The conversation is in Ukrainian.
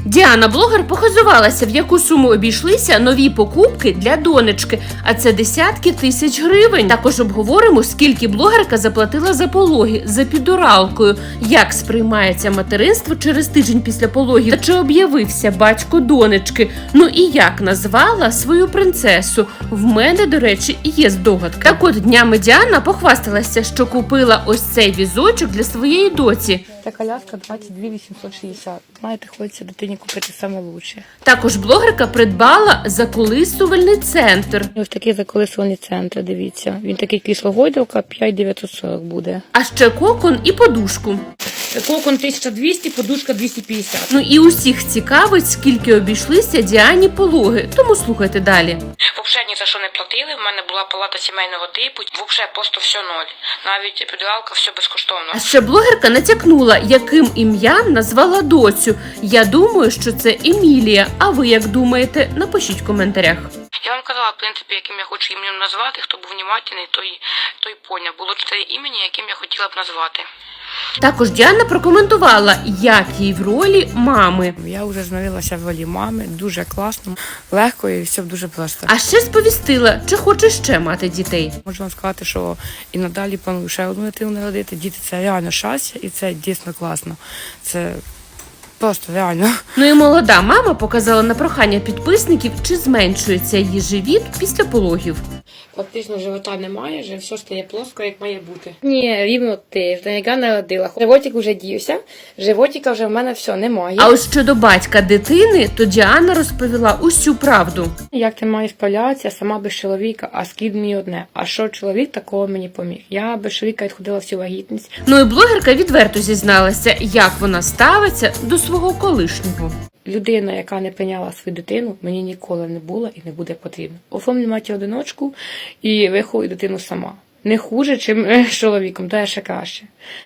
Діана, блогер, похизувалася, в яку суму обійшлися нові покупки для донечки, а це десятки тисяч гривень. Також обговоримо, скільки блогерка заплатила за пологи, за епідуралкою, як сприймається материнство через тиждень після пологів, та чи об'явився батько донечки, ну і як назвала свою принцесу. В мене, до речі, є здогадка. Так от, днями Діана похвасталася, що купила ось цей візочок для своєї доці. Та коляска 22 860. Знаєте, хочеться дитині купити саме лучше. Також блогерка придбала заколисувальний центр. Ось такий заколисувальний центр, дивіться. Він такий крісло-гойдалка, 5940 буде. А ще кокон і подушку. Кокон 1200, подушка 250. Ну і усіх цікавить, скільки обійшлися Діані пологи, тому слухайте далі. Взагалі ні за що не платили, в мене була палата сімейного типу, взагалі просто все ноль. Навіть епідуралка, все безкоштовно. А ще блогерка натякнула, яким ім'ям назвала доцю. Я думаю, що це Емілія, а ви як думаєте? Напишіть в коментарях. Я вам казала, в принципі, яким я хочу ім'ям назвати, хто був внимательний, той поняв. Було 4 імені, яким я хотіла б назвати. Також Діана прокоментувала, як їй в ролі мами. Я вже змирилася в ролі мами, дуже класно, легко і все дуже просто. А ще сповістила, чи хоче ще мати дітей. Можу вам сказати, що і надалі планую ще одну дитину народити. Діти – це реально щастя і це дійсно класно. Це просто реально. Ну і молода мама показала на прохання підписників, чи зменшується її живіт після пологів. Фактично живота немає, вже все стає плоско, як має бути. Ні, рівно тиждень, яка народила. Животик вже дівся, животика вже в мене все немає. А ось щодо батька дитини, то Діана розповіла усю правду. Як ти маєш справлятися сама без чоловіка, а скид мені одне. А що чоловік такого мені поміг? Я без чоловіка відходила всю вагітність. Ну і блогерка відверто зізналася, як вона ставиться до свого колишнього. Людина, яка не прийняла свою дитину, мені ніколи не була і не буде потрібна. Оформлю матір-одиночку і виховую дитину сама. Не хуже, чим з чоловіком, то ще краще.